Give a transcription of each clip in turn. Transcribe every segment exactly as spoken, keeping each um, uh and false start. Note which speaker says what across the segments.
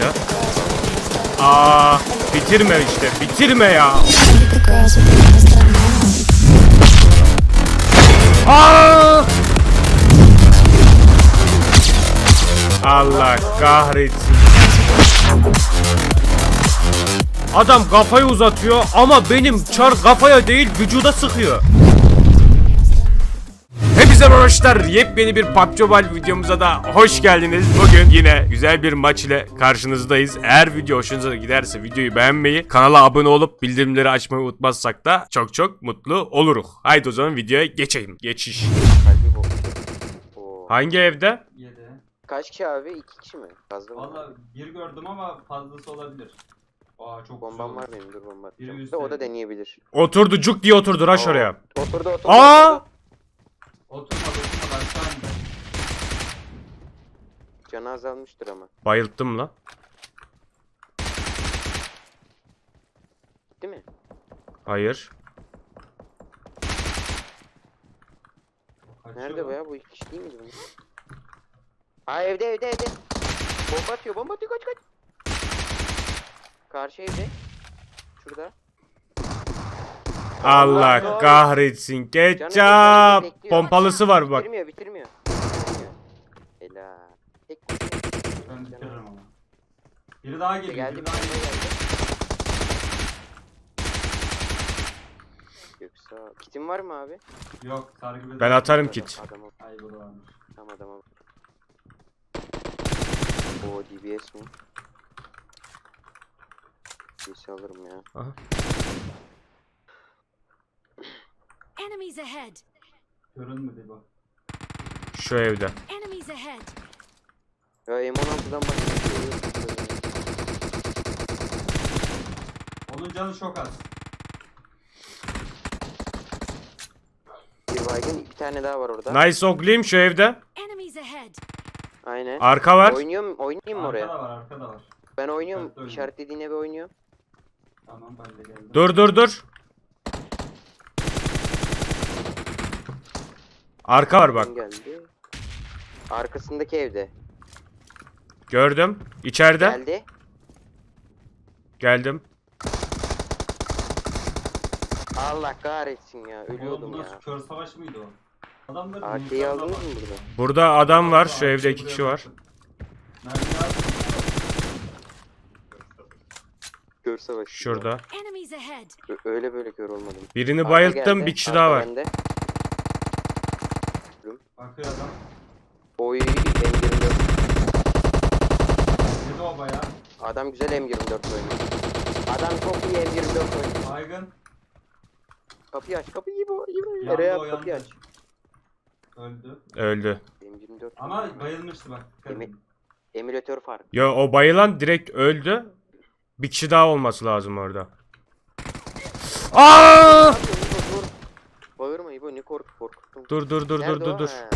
Speaker 1: Aa, bitirme işte, bitirme ya. Aa! Allah kahretsin. Adam kafayı uzatıyor ama benim çar kafaya değil vücuda sıkıyor. Hepinize arkadaşlar, yepyeni bir P U B G Mobile videomuza da hoş geldiniz. Bugün yine güzel bir maç ile karşınızdayız. Eğer video hoşunuza giderse videoyu beğenmeyi, kanala abone olup bildirimleri açmayı unutmazsak da çok çok mutlu oluruz. Haydi o zaman videoya geçeyim. Geçiş. Hangi evde?
Speaker 2: yedi.
Speaker 3: Kaç kişi abi? İki kişi mi? Fazla mı?
Speaker 2: Valla bir gördüm ama fazlası olabilir. Aa çok
Speaker 3: Bombam
Speaker 2: güzel
Speaker 3: var
Speaker 2: oldu.
Speaker 3: benim, dur bomba
Speaker 2: Biri
Speaker 3: atacağım.
Speaker 2: üstte.
Speaker 3: O da deneyebilir.
Speaker 1: Oturdu, cuk diye oturdu raş
Speaker 3: Aa,
Speaker 1: oraya.
Speaker 3: Oturdu oturdu.
Speaker 1: Aa!
Speaker 3: oturdu.
Speaker 2: Oturma oturma aşağı indi.
Speaker 3: Canı azalmıştır ama.
Speaker 1: Bayılttım la.
Speaker 3: Değil mi?
Speaker 1: Hayır.
Speaker 2: Kaçıyor.
Speaker 3: Nerede bu ya? Bu iki kişi değil miydi bunun? Aa, evde evde evde. Bomba atıyor bomba atıyor, kaç kaç. Karşı evde. Şurada.
Speaker 1: Allah
Speaker 3: Allah.
Speaker 1: kahretsin.
Speaker 3: Canı
Speaker 1: Ketçap.
Speaker 3: bekliyor, bekliyor.
Speaker 1: Pompalısı var bak.
Speaker 3: Bitirmiyor bitirmiyor. Helal. Tek
Speaker 2: Ben bitiririm ama. Biri daha geliyor.
Speaker 3: geldi
Speaker 2: Biri
Speaker 3: bir
Speaker 2: daha
Speaker 3: tane
Speaker 2: geliyor.
Speaker 3: geldi. Yoksa kitin var mı abi?
Speaker 2: Yok sargı bezi.
Speaker 1: Ben atarım
Speaker 3: Adam-
Speaker 1: kit.
Speaker 3: Adama
Speaker 2: Ay bu da varmış.
Speaker 3: tam adama. O D B S mi? D B S alırım ya.
Speaker 1: Aha.
Speaker 4: Enemies ahead!
Speaker 2: Görünmedi bu.
Speaker 1: Şu evde.
Speaker 4: Enemies ahead!
Speaker 3: Ya M on altıdan başlıyor.
Speaker 2: Onun canı çok az.
Speaker 3: Bir baygın, bir tane daha var orada.
Speaker 1: Nice okleyim şu evde.
Speaker 4: Enemies ahead!
Speaker 3: Aynen.
Speaker 1: Arka var.
Speaker 3: Oynuyor mu? Oynayayım mı oraya?
Speaker 2: Arkada var arkada var.
Speaker 3: Ben oynuyorum.
Speaker 2: Evet, oynuyor.
Speaker 3: İşaretlediğin eve oynuyorum.
Speaker 2: Tamam ben de geldim.
Speaker 1: Dur dur dur. Arka var bak.
Speaker 3: Kim geldi? Arkasındaki evde.
Speaker 1: Gördüm. İçeride.
Speaker 3: Geldi.
Speaker 1: Geldim.
Speaker 3: Allah kahretsin ya.
Speaker 2: Oğlum
Speaker 3: Ölüyordum
Speaker 2: bu
Speaker 3: ya.
Speaker 2: nasıl kör savaş mıydı o? Adamların
Speaker 3: A K'yi
Speaker 2: mutlarına
Speaker 3: aldınız
Speaker 2: bak.
Speaker 3: mı burada?
Speaker 1: Burada adam var. Şu
Speaker 2: Aa,
Speaker 1: evde iki
Speaker 2: buraya
Speaker 1: kişi var.
Speaker 2: bakın. Nerede lazım?
Speaker 3: Kör savaşı.
Speaker 1: Şurada.
Speaker 4: Enemies ahead!
Speaker 3: Ö- öyle böyle kör olmadım.
Speaker 1: Birini
Speaker 3: Arka
Speaker 1: bayılttım.
Speaker 3: geldi,
Speaker 1: Bir kişi
Speaker 3: arka
Speaker 1: daha var.
Speaker 3: bende.
Speaker 2: Bakıyor adam.
Speaker 3: Oy M yirmi dört.
Speaker 2: Dedi o bayağı.
Speaker 3: Adam güzel M yirmi dört oynuyor. Adam çok iyi M yirmi dört oynuyor.
Speaker 2: Baygın.
Speaker 3: Kapıyı aç, kapıyı iyi bu, iyi bu.
Speaker 2: Yandı
Speaker 3: Nereye
Speaker 2: o
Speaker 3: at, kapıyı aç.
Speaker 2: yandı. Öldü.
Speaker 1: Öldü.
Speaker 3: M yirmi dört.
Speaker 2: Ama bayılmıştı bak. dikkat
Speaker 3: Emi-
Speaker 2: edin.
Speaker 3: Emülatör farkı.
Speaker 1: Yo, o bayılan direkt öldü. Bir kişi daha olması lazım orada. Aa!
Speaker 3: Abi, İbo, dur. Bağırma İbo, ne kork korkuttun.
Speaker 1: Dur dur dur dur
Speaker 3: Nerede
Speaker 1: dur
Speaker 3: o?
Speaker 1: dur.
Speaker 3: Ha.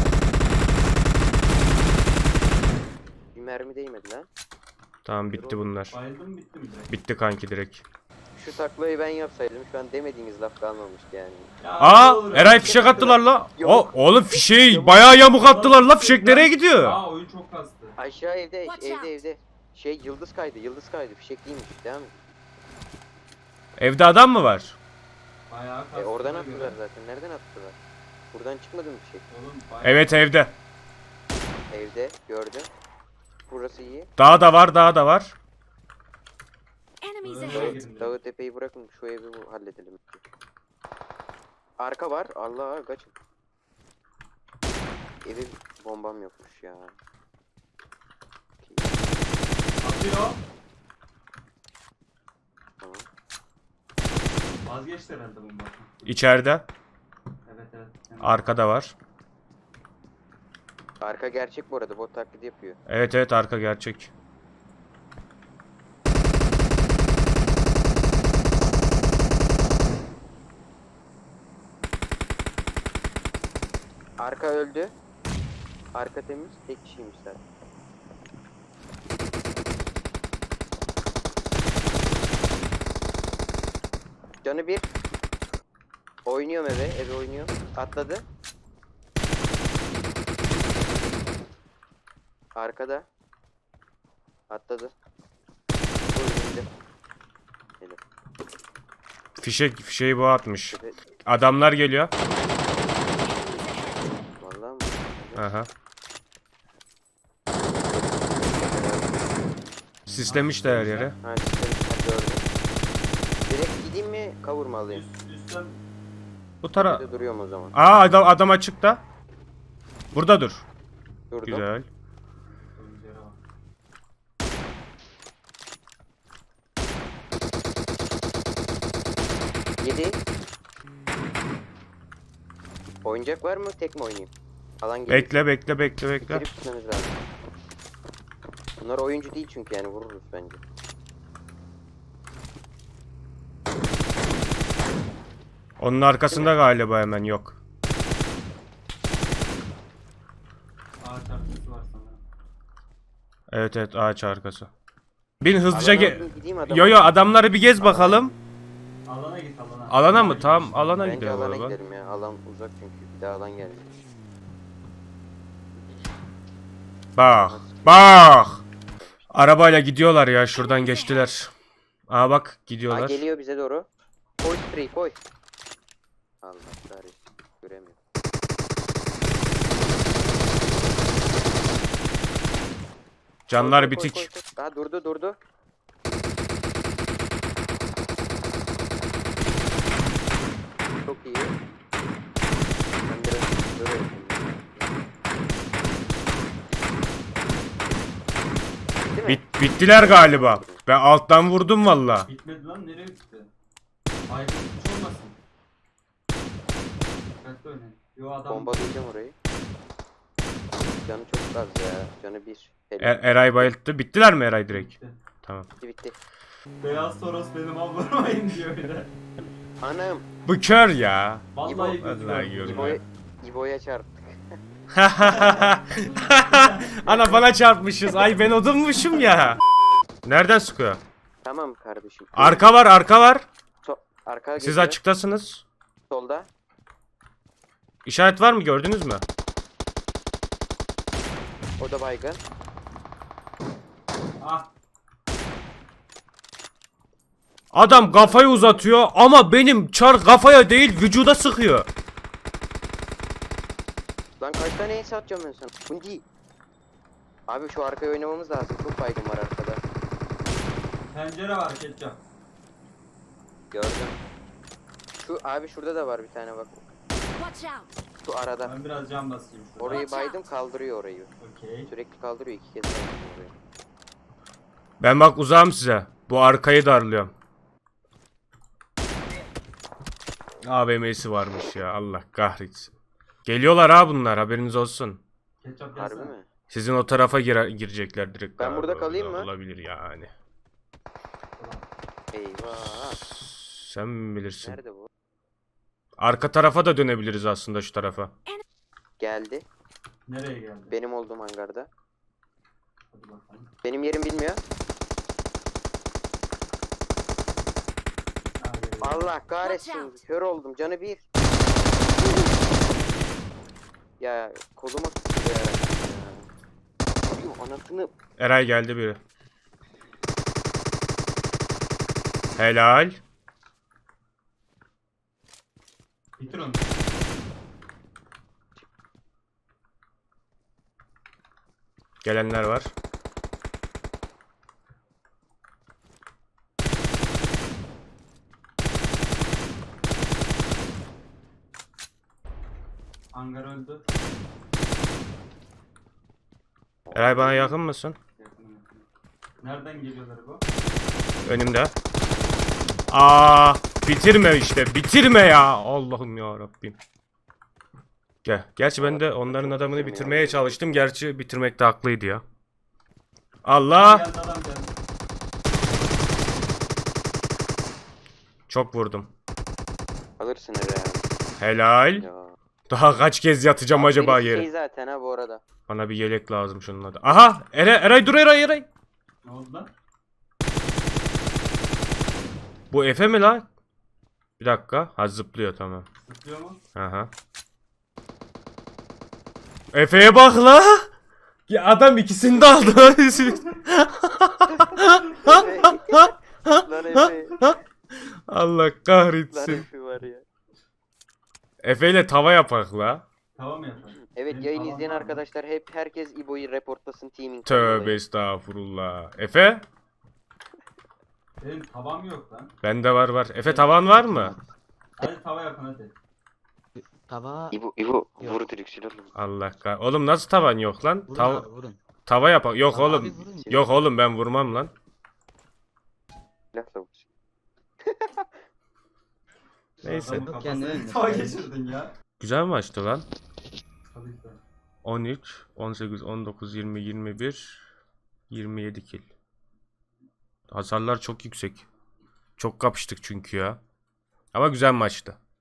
Speaker 3: Bir mermi değmedi lan.
Speaker 1: Tamam bitti bunlar.
Speaker 2: Bayıldı mı bitti mi direkt?
Speaker 1: Bitti kanki direkt.
Speaker 3: Şu taklayı ben yapsaydım şu an demediğiniz laf kalmamıştı yani.
Speaker 2: Ya, ne
Speaker 1: Aa,
Speaker 2: olur
Speaker 1: Eray
Speaker 2: ya.
Speaker 1: fişek attılar la.
Speaker 3: Yok.
Speaker 1: O oğlum fişeği bayağı yamuk attılar la. Fişek nereye gidiyor?
Speaker 2: Aa oyun çok kastı.
Speaker 3: Aşağı evde,
Speaker 4: Watch
Speaker 3: evde
Speaker 4: out.
Speaker 3: evde. Şey yıldız kaydı, yıldız kaydı. Fişek değilmiş, devam et.
Speaker 1: Evde adam mı var?
Speaker 2: Bayağı kastı.
Speaker 3: E oradan attılar zaten. Nereden attılar? Buradan çıkmadı mı fişek?
Speaker 2: Oğlum bayağı.
Speaker 1: Evet evde.
Speaker 3: Evde, gördüm. Burası iyi.
Speaker 1: Daha da var, daha da var.
Speaker 4: Enemies
Speaker 2: Öyle.
Speaker 4: ahead!
Speaker 2: Girdim.
Speaker 3: Dağı tepeyi bırakın, şu evi bu- halledelim. Arka var, Allah kaçın. Evi bombam yokmuş ya.
Speaker 2: Atıyor.
Speaker 3: Tamam.
Speaker 2: Vazgeçti herhalde bomba.
Speaker 1: İçeride.
Speaker 2: Evet evet. Hemen.
Speaker 1: Arkada var.
Speaker 3: Arka gerçek bu arada, bot taklidi yapıyor.
Speaker 1: Evet evet arka gerçek.
Speaker 3: Arka öldü. Arka temiz, tek kişiymiş zaten. Canı bir. Oynuyorum eve, eve oynuyorum. Atladı. Arkada. Atladı. Önümüzde. Helal.
Speaker 1: Fişek fişeği bu atmış.
Speaker 3: Evet.
Speaker 1: Adamlar geliyor.
Speaker 3: Vallahi mi?
Speaker 1: Aha. Sislemişler her yere.
Speaker 3: Ha sistemi gördüm. Direkt gideyim mi kavurma alayım?
Speaker 2: Üst, üstten
Speaker 1: Bu tara...
Speaker 3: Burada duruyorum o zaman.
Speaker 1: Aa adam, adam açıkta. Burada dur.
Speaker 3: Durdum.
Speaker 1: Güzel.
Speaker 2: pencere var.
Speaker 3: Yedi. Oyuncak var mı? Tek mi oynayayım? Alan geliyor.
Speaker 1: Bekle bekle bekle bekle.
Speaker 3: Bitirip gitmemiz lazım. Bunlar oyuncu değil çünkü yani vururuz bence.
Speaker 1: Onun arkasında galiba hemen yok.
Speaker 2: Ağaç arkası var sanırım.
Speaker 1: Evet evet ağaç arkası. Bin hızlıca
Speaker 3: Alana
Speaker 1: ge...
Speaker 3: bir gideyim adama.
Speaker 1: Yo yo adamları bir gez bakalım.
Speaker 2: Alana git alana.
Speaker 1: Alana mı? Tamam alana
Speaker 3: Bence
Speaker 1: gidelim
Speaker 3: alana
Speaker 1: galiba.
Speaker 3: gidelim ya. Alan uzak çünkü. Bir daha alan geldi.
Speaker 1: Bak. Bak. Arabayla gidiyorlar ya şuradan geçtiler. Aa bak
Speaker 3: Aa
Speaker 1: gidiyorlar.
Speaker 3: geliyor bize doğru. Koy sprey koy. Allah kahretsin. Göremiyorum.
Speaker 1: Canlar
Speaker 3: Koy, koy,
Speaker 1: bitik.
Speaker 3: koy, koy. Aa durdu durdu. Çok iyi. Ben biraz duruyorum. Değil mi?
Speaker 1: Bit bittiler galiba. Ben alttan vurdum valla.
Speaker 2: Bitmedi lan, nereye bitti? Ayrı hiç olmasın. Dikkatli oynayın. Yo adam.
Speaker 3: Bombalayacağım orayı. Canı çok az ya. Canı bir. Helal.
Speaker 1: Er- Eray bayılttı. Bittiler mi Eray direkt?
Speaker 2: Bitti.
Speaker 1: Tamam.
Speaker 3: Bitti bitti.
Speaker 2: Beyaz Toros benim al vurmayın diyor bir de.
Speaker 3: Anam.
Speaker 1: Bu kör ya.
Speaker 2: Vallahi
Speaker 3: İbo-
Speaker 2: gözü
Speaker 1: Vallahi
Speaker 2: gördüm.
Speaker 1: gördüm.
Speaker 3: İbo'ya İbo'ya çarptık.
Speaker 1: Ana bana çarpmışız. Ay ben odunmuşum ya. Nereden sıkıyor?
Speaker 3: Tamam kardeşim.
Speaker 1: Arka var arka var.
Speaker 3: So arka
Speaker 1: Siz
Speaker 3: geçiyor.
Speaker 1: açıktasınız.
Speaker 3: Solda.
Speaker 1: İşaret var mı gördünüz mü?
Speaker 3: O da baygın.
Speaker 2: Ah.
Speaker 1: Adam kafayı uzatıyor ama benim çar kafaya değil vücuda sıkıyor.
Speaker 3: Lan kaç tane ace atacağım ben sana? Bunci. Abi şu arkaya oynamamız lazım. Çok baygın var arkada.
Speaker 2: Pencere var ketçap.
Speaker 3: Gördüm. Şu abi şurada da var bir tane bak.
Speaker 4: Watch out.
Speaker 3: Şu arada.
Speaker 2: Ben biraz can basayım şurada.
Speaker 3: Orayı
Speaker 4: Watch out.
Speaker 3: baydım kaldırıyor orayı.
Speaker 2: Okey.
Speaker 3: Sürekli kaldırıyor iki kez baydım orayı.
Speaker 1: Ben bak uzağım size. Bu arkayı darlıyorum. A V M'si varmış ya Allah kahretsin. Geliyorlar ha bunlar haberiniz olsun.
Speaker 2: Ketçap
Speaker 3: Harbi
Speaker 2: yesene.
Speaker 3: mi?
Speaker 1: Sizin o tarafa gire- girecekler direkt.
Speaker 3: Ben
Speaker 1: galiba.
Speaker 3: burada kalayım mı?
Speaker 1: Olabilir yani.
Speaker 3: Eyvah.
Speaker 1: Sen mi bilirsin?
Speaker 3: Nerede bu?
Speaker 1: Arka tarafa da dönebiliriz aslında şu tarafa.
Speaker 3: Geldi.
Speaker 2: Nereye geldi?
Speaker 3: Benim olduğum hangarda.
Speaker 2: Hadi bakalım.
Speaker 3: Benim yerim bilmiyor.
Speaker 2: Ha, geliyor.
Speaker 3: Allah
Speaker 4: Watch
Speaker 3: kahretsin.
Speaker 4: out.
Speaker 3: Kör oldum. Canı bir. Ya koluma sıkıyor ya. Yuh, anasını.
Speaker 1: Eray geldi biri. Helal.
Speaker 2: Bitir onu.
Speaker 1: Gelenler var.
Speaker 2: Hangar öldü.
Speaker 1: Eray bana yakın mısın?
Speaker 2: Yakınım, yakınım. Nereden geliyorlar bu?
Speaker 1: Önümde. Aa, bitirme işte. Bitirme ya. Allah'ım ya Rabbim. Gel. Gerçi ben de onların adamını bitirmeye çalıştım. Gerçi bitirmekte haklıydı ya. Allah.
Speaker 2: Geldi adam geldi.
Speaker 1: Çok vurdum.
Speaker 3: Alırsın herhalde.
Speaker 1: Helal.
Speaker 3: Ya.
Speaker 1: Daha kaç kez yatacağım
Speaker 3: Abi
Speaker 1: acaba
Speaker 3: benim
Speaker 1: yere?
Speaker 3: Şey zaten ha bu arada.
Speaker 1: Bana bir yelek lazım şunun adı. Aha! Eray, Eray dur Eray Eray.
Speaker 2: Ne oldu lan?
Speaker 1: Bu Efe mi lan? Bir dakika. Ha zıplıyor tamam.
Speaker 2: Zıplıyor mu?
Speaker 1: Aha. Efe'ye bak la. Ya adam ikisini de aldı. Allah
Speaker 3: Lan
Speaker 1: kahretsin.
Speaker 3: Efe var ya.
Speaker 1: Efe ile tava yapak la.
Speaker 2: Tamam mı yapalım?
Speaker 3: Evet
Speaker 2: Senin
Speaker 3: yayın
Speaker 2: tavan
Speaker 3: izleyen
Speaker 2: var mı?
Speaker 3: arkadaşlar hep herkes İbo'yu reportlasın teaming.
Speaker 1: Tövbe estağfurullah. Efe?
Speaker 2: Benim tavam yok lan.
Speaker 1: Bende var var. Efe tavan var mı?
Speaker 2: Hadi tava yapın hadi.
Speaker 5: Tava
Speaker 3: İbo, İbo
Speaker 5: Yok.
Speaker 3: vur direksiyon oğlum.
Speaker 1: Allah kah. Oğlum nasıl tavan yok lan?
Speaker 5: vurun
Speaker 1: Tav
Speaker 5: abi vurun.
Speaker 1: tava yapak. Yok
Speaker 5: Lan abi
Speaker 1: oğlum.
Speaker 5: vurun.
Speaker 1: Yok oğlum ben vurmam lan.
Speaker 3: Silahla vur.
Speaker 1: Neyse.
Speaker 2: Adamın
Speaker 5: Yok,
Speaker 2: kafasına
Speaker 5: kendi önüne.
Speaker 2: Tava geçirdin ya.
Speaker 1: Güzel maçtı lan.
Speaker 2: Tabii ki.
Speaker 1: on üç, on sekiz, on dokuz, yirmi, yirmi bir, yirmi yedi kill. Hasarlar çok yüksek. Çok kapıştık çünkü ya. Ama güzel maçtı.